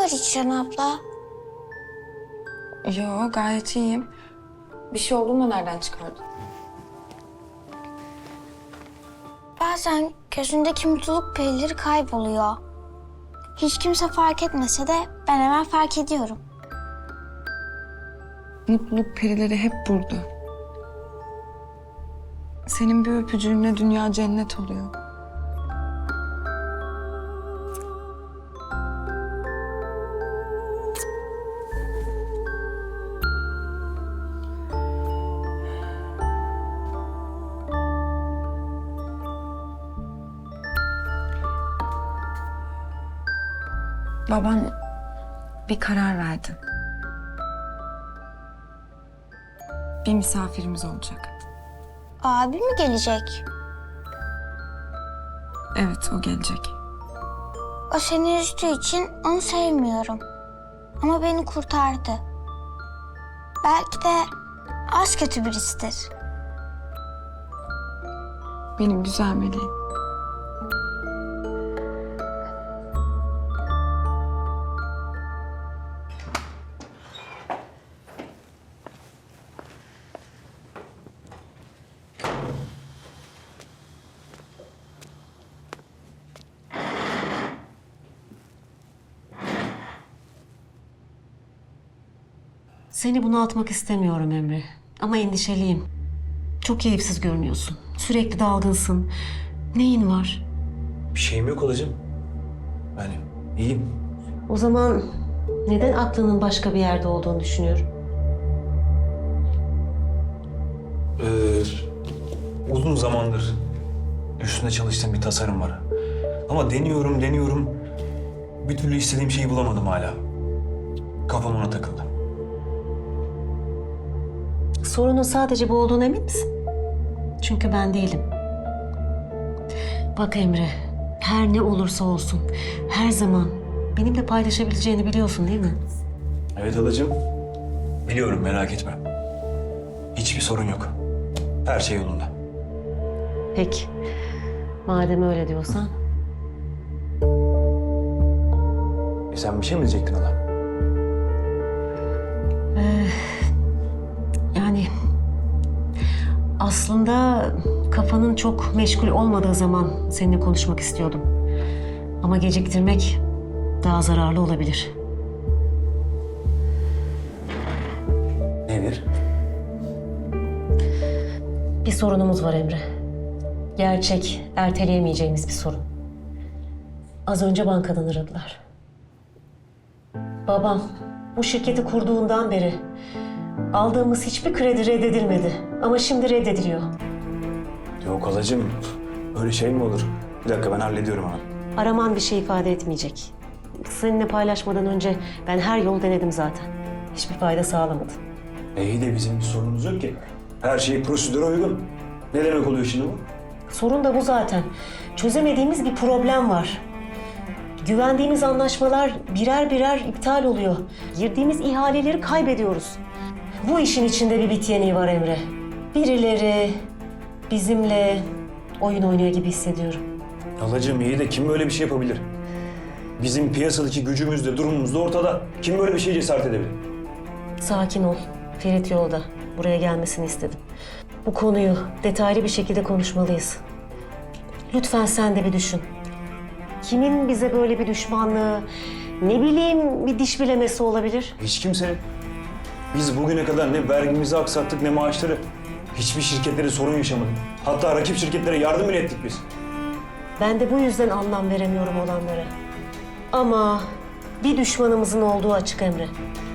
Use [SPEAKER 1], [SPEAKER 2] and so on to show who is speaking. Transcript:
[SPEAKER 1] var İçen abla?
[SPEAKER 2] Yo, gayet iyiyim. Bir şey olduğunu da nereden çıkardın?
[SPEAKER 1] Bazen gözündeki mutluluk perileri kayboluyor. Hiç kimse fark etmese de ben hemen fark ediyorum.
[SPEAKER 2] Mutluluk perileri hep burada. Senin bir öpücüğünle dünya cennet oluyor. Baban bir karar verdi. Bir misafirimiz olacak.
[SPEAKER 1] Abi mi gelecek?
[SPEAKER 2] Evet, o gelecek.
[SPEAKER 1] O seni üzdüğü için onu sevmiyorum. Ama beni kurtardı. Belki de az kötü birisidir.
[SPEAKER 2] Benim güzel meleğim.
[SPEAKER 3] Seni bunaltmak istemiyorum Emre. Ama endişeliyim. Çok keyifsiz görünüyorsun. Sürekli dalgınsın. Neyin var?
[SPEAKER 4] Bir şeyim yok halacığım. Yani iyiyim.
[SPEAKER 3] O zaman neden aklının başka bir yerde olduğunu düşünüyorum?
[SPEAKER 4] Uzun zamandır üstünde çalıştığım bir tasarım var. Ama deniyorum. Bir türlü istediğim şeyi bulamadım hala. Kafam ona takıldı.
[SPEAKER 3] Sorunun sadece bu olduğuna emin misin? Çünkü ben değilim. Bak Emre, her ne olursa olsun, her zaman benimle paylaşabileceğini biliyorsun değil mi?
[SPEAKER 4] Evet halacığım. Biliyorum, merak etme. Hiçbir sorun yok. Her şey yolunda.
[SPEAKER 3] Peki, madem öyle diyorsan.
[SPEAKER 4] Sen bir şey mi diyecektin hala?
[SPEAKER 3] Yani aslında kafanın çok meşgul olmadığı zaman seninle konuşmak istiyordum. Ama geciktirmek daha zararlı olabilir.
[SPEAKER 4] Nedir?
[SPEAKER 3] Bir sorunumuz var Emre. Gerçek, erteleyemeyeceğimiz bir sorun. Az önce bankadan aradılar. Babam bu şirketi kurduğundan beri aldığımız hiçbir kredi reddedilmedi. Ama şimdi reddediliyor.
[SPEAKER 4] Yok halacığım. Öyle şey mi olur? Bir dakika, ben hallediyorum hemen.
[SPEAKER 3] Araman bir şey ifade etmeyecek. Seninle paylaşmadan önce ben her yol denedim zaten. Hiçbir fayda sağlamadı.
[SPEAKER 4] İyi de bizim bir sorunumuz yok ki. Her şey prosedüre uygun. Ne demek oluyor şimdi bu?
[SPEAKER 3] Sorun da bu zaten. Çözemediğimiz bir problem var. Güvendiğimiz anlaşmalar birer birer iptal oluyor. Girdiğimiz ihaleleri kaybediyoruz. Bu işin içinde bir bit yeniği var Emre. Birileri bizimle oyun oynuyor gibi hissediyorum.
[SPEAKER 4] Halacığım iyi de kim böyle bir şey yapabilir? Bizim piyasadaki gücümüz de durumumuz da ortada. Kim böyle bir şeye cesaret edebilir?
[SPEAKER 3] Sakin ol. Ferit yolda. Buraya gelmesini istedim. Bu konuyu detaylı bir şekilde konuşmalıyız. Lütfen sen de bir düşün. Kimin bize böyle bir düşmanlığı, ne bileyim bir diş bilemesi olabilir?
[SPEAKER 4] Hiç kimsenin. Biz bugüne kadar ne vergimizi aksattık ne maaşları. Hiçbir şirketlere sorun yaşamadık. Hatta rakip şirketlere yardım bile ettik biz.
[SPEAKER 3] Ben de bu yüzden anlam veremiyorum olanlara. Ama bir düşmanımızın olduğu açık Emre.